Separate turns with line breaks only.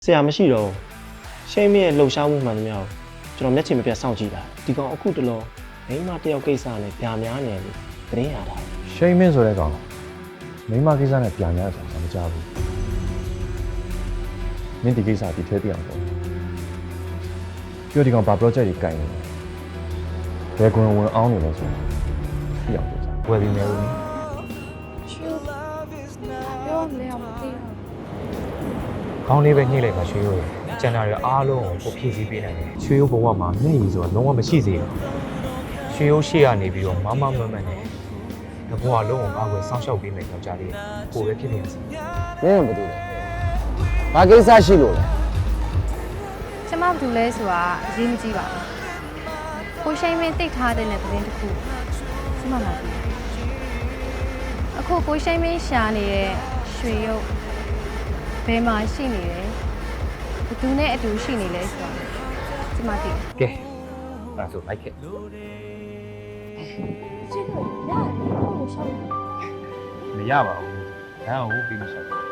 ဆရာမရှိတော့ရှိမရဲ့လှုပ်ရှားမှုမှန်သမျှကိုကျွန်တော်မျက်ခြေမပြတ်စောင့်ကြည့်တာဒီကောင်အခုတလောမိန်းမတယောက်ကိစ္စနဲ့ပြာများနေတယ်သတင်းရတာ
ရှိမင်းဆိုတဲ့ကောင်မိန်းမကိစ္စနဲ့ပြန်ရဆိုတာမကြားဘူးမင်းဒီကိစ္စဒီထဲပြအောင်ပေါ့ပြောဒီကောင်ဘာ project ကြီးကိုင်နေလဲဘယ်ကွန်ဝင်အောင်နေလဲဆိုပြအောင်ပြောစား
ဝယ်ပြီးမယ်ဦး
ပြောမလဲအောင်မသိဘူး
ခေါင်းလေးပဲညှိလိုက်ပါရွှေရိုးရကျန်တာတွေအားလုံးကိုဖြည့်ဆည်းပေးနိုင်တယ်ရွှေရိုးဘဝမှာမျက်ရည်ဆိုတာလုံးဝမရှိစေဘူးရွှေရိုးရှေ့ကနေပြီးတော့မမမမနဲ့ဘဝလုံးကိုအားကိုစောင့်ရှောက်ပေးမယ်ကြောက်ကြလေးကိုပဲဖြစ်နေရစီ
မင်းကဘာလုပ်လဲဘာကိစ္စရှိလို့လဲ
ကျမဘာလို့လဲဆိုတာအရေးမကြီးပါဘူးကိုရှိန်မင်းတိတ်ထားတဲ့သတင်းတစ်ခုကျမလာပြီအခုကိုရှိန်မင်းရှာနေတဲ့ရွှေရုပ်ဘယ်မှာရှိနေလဲဘသူနဲ့အတူရှိနေလဲဆိုတာကျမသိတယ်
ကဲအဲ့ဒါဆိုလိုက်ခဲ့
ကျင်းတော့ရတယ်ကိုရှောင်း
မရပါဘူးဒါကိုပြီးမရှောက်ဘူး